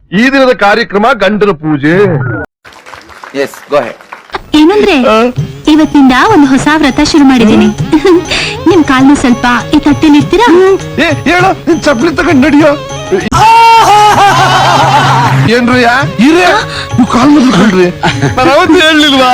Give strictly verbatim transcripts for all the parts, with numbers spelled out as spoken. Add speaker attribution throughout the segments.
Speaker 1: ಈ ದಿನದ ಕಾರ್ಯಕ್ರಮ ಗಂಡನ ಪೂಜೆ.
Speaker 2: Yes go ahead.
Speaker 3: ಏನಂದ್ರೆ ಇವತ್ತಿಂದ ಒಂದು ಹೊಸ ವ್ರತ ಶುರು ಮಾಡಿದ್ದೀನಿ. ನಿಮ್ ಕಾಲ್ನ ಸ್ವಲ್ಪ ಈ ತಟ್ಟೆಲಿ ಇರ್ತೀರಾ?
Speaker 1: ಏ ಹೇಳ ಚಪ್ಲಿ ತಗೊಂಡ್ ನಡಿಯೋ. ಏನ್ರಯ್ಯ ಇರೇ ನೀವು ಕಾಲ್ ಮೊದಲ್ಕೊಂಡ್ರಿ ನಾನು ಅವತ್ತು ಹೇಳಲಿಲ್ವಾ?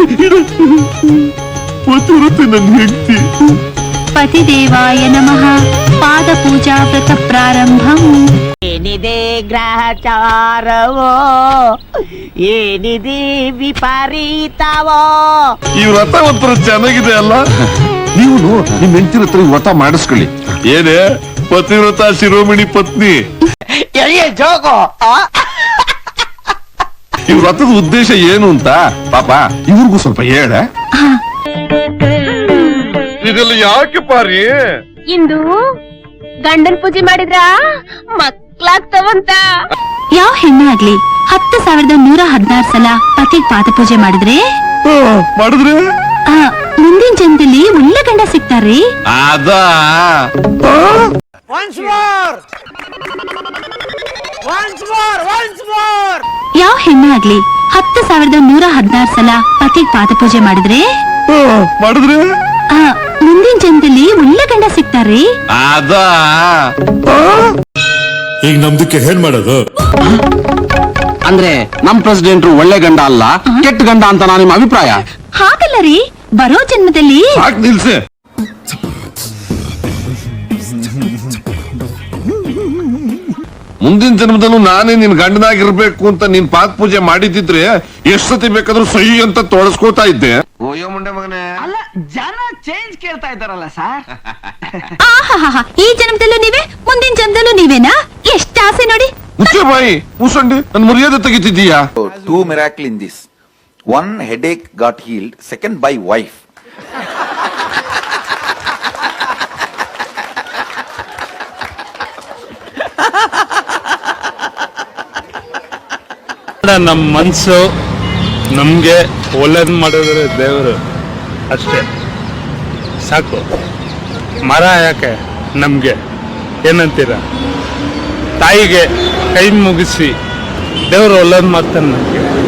Speaker 1: ಗೊತ್ತಿರುತ್ತೆ ನನ್ನ ಹೆಂಡತಿ.
Speaker 3: ಪತಿದೇವಾಯ ನಮಃ. ಪಾದ ಪೂಜಾ ವ್ರತ ಪ್ರಾರಂಭಂ.
Speaker 4: ಏನಿದೆ ಗ್ರಹಚಾರವೋ, ಏನಿದೆ ವಿಪರೀತವೋ.
Speaker 1: ಈ ವ್ರತ ಒಂಥರ ಚೆನ್ನಾಗಿದೆ ಅಲ್ಲ? ನೀವು ನಿಮ್ ಹೆಂಡತಿನ ಹತ್ರ ವ್ರತ ಮಾಡಿಸ್ಕೊಳ್ಳಿ. ಏನೇ ಪತಿವ್ರತ ಶಿರೋಮಣಿ ಪತ್ನಿ.
Speaker 4: ಜೋಗೋ
Speaker 1: ಈ ವ್ರತದ ಉದ್ದೇಶ ಏನು ಅಂತ ಪಾಪ ಇವ್ರಿಗೂ ಸ್ವಲ್ಪ ಹೇಳ. ಇದೆಲ್ಲ ಯಾಕೆ ಪಾರಿ?
Speaker 5: ಇಂದು ಗಂಡನ್ ಪೂಜೆ ಮಾಡಿದ್ರ ಮಕ್ಳಾಗ್ತವಂತ.
Speaker 3: ಯಾವ ಹೆಣ್ಣು ಆಗ್ಲಿ ಹತ್ತು ಸಾವಿರದ ನೂರ ಹದಿನಾರು ಸಲ ಪತಿಗ್ ಪಾದ ಪೂಜೆ ಮಾಡಿದ್ರೆ
Speaker 1: ಮಾಡಿದ್ರೆ
Speaker 3: ಆ, ಮುಂದಿನ ಜನ್ಮದಲ್ಲಿ ಒಳ್ಳೆ ಗಂಡ ಸಿಗ್ತಾರ್ರಿ.
Speaker 1: ಅದ
Speaker 3: ಯಾವ ಹೆಣ್ಣು ಆಗ್ಲಿ ಹತ್ತು ಸಾವಿರದ ನೂರ ಹದಿನಾರು ಸಲ ಪತಿಗ್ ಪಾದ ಪೂಜೆ ಮಾಡಿದ್ರೆ
Speaker 1: ಮಾಡಿದ್ರೆ
Speaker 3: ಆ, ಮುಂದಿನ ಜನ್ಮದಲ್ಲಿ ಒಳ್ಳೆ ಗಂಡ ಸಿಗ್ತಾರ್ರಿ.
Speaker 1: ಅದ
Speaker 6: ಈಗ ನಮ್ದಕ್ಕೆ ಏನ್ ಮಾಡೋದು?
Speaker 7: ಅಂದ್ರೆ ನಮ್ ಪ್ರೆಸಿಡೆಂಟ್ ಒಳ್ಳೆ ಗಂಡ ಅಲ್ಲ ಕೆಟ್ಟ ಗಂಡ ಅಂತ ನಾನು ನಿಮ್ಮ ಅಭಿಪ್ರಾಯ.
Speaker 3: ಹಾಗಲ್ಲ ರೀ, ಬರೋ ಜನ್ಮದಲ್ಲಿ
Speaker 1: ಸಾಕ್ ನಿಲ್ಸೆ. ಮುಂದಿನ ಜನ್ಮದಲ್ಲೂ ನಾನೇ ನಿನ್ ಗಂಡನಾಗಿರ್ಬೇಕು ಅಂತ ನೀನ್ ಪಾದ ಪೂಜೆ ಮಾಡಿದ್ರೆ ಎಷ್ಟ್ ಸತಿ ಬೇಕಾದ್ರೂ ಸಹಿ ಅಂತ ತೋರಿಸ್ಕೋತಾ ಇದ್ದೆ. ಓಯೋ ಮುಂಡೆ ಮಗನೇ.
Speaker 4: ಅಲ್ಲ, ಜನ ಚೇಂಜ್ ಕೇಳ್ತಾ ಇದ್ದಾರಲ್ಲ ಸರ್.
Speaker 3: ಆಹಾಹಾ, ಈ ಜನ್ಮದಲ್ಲೂ ನೀವೇ ಮುಂದಿನ ಜನ್ಮದಲ್ಲೂ ನೀವೇನಾ? ಎಷ್ಟ ಆಸೆ ನೋಡಿ.
Speaker 1: ಮುಚ್ಚೆ ಬಾಯಿ ಮುಸಂಡಿ ನನ್ ಮರ್ಯಾದೆ ತೆಗಿತಿದ್ದೀಯಾ?
Speaker 2: Two miracle in this. One headache got healed, second by wife.
Speaker 6: ನಮ್ ಮನ್ಸು ನಮ್ಗೆ ಒಳ್ಳೇದ್ ಮಾಡಿದ್ರೆ ದೇವರು ಅಷ್ಟೇ ಸಾಕು. ಮರ ಯಾಕೆ ನಮ್ಗೆ ಏನಂತೀರ? ತಾಯಿಗೆ ಕೈ ಮುಗಿಸಿ ದೇವರು ಒಳ್ಳೇದ್ ಮಾಡ್ತಾನೆ ನಮ್ಗೆ.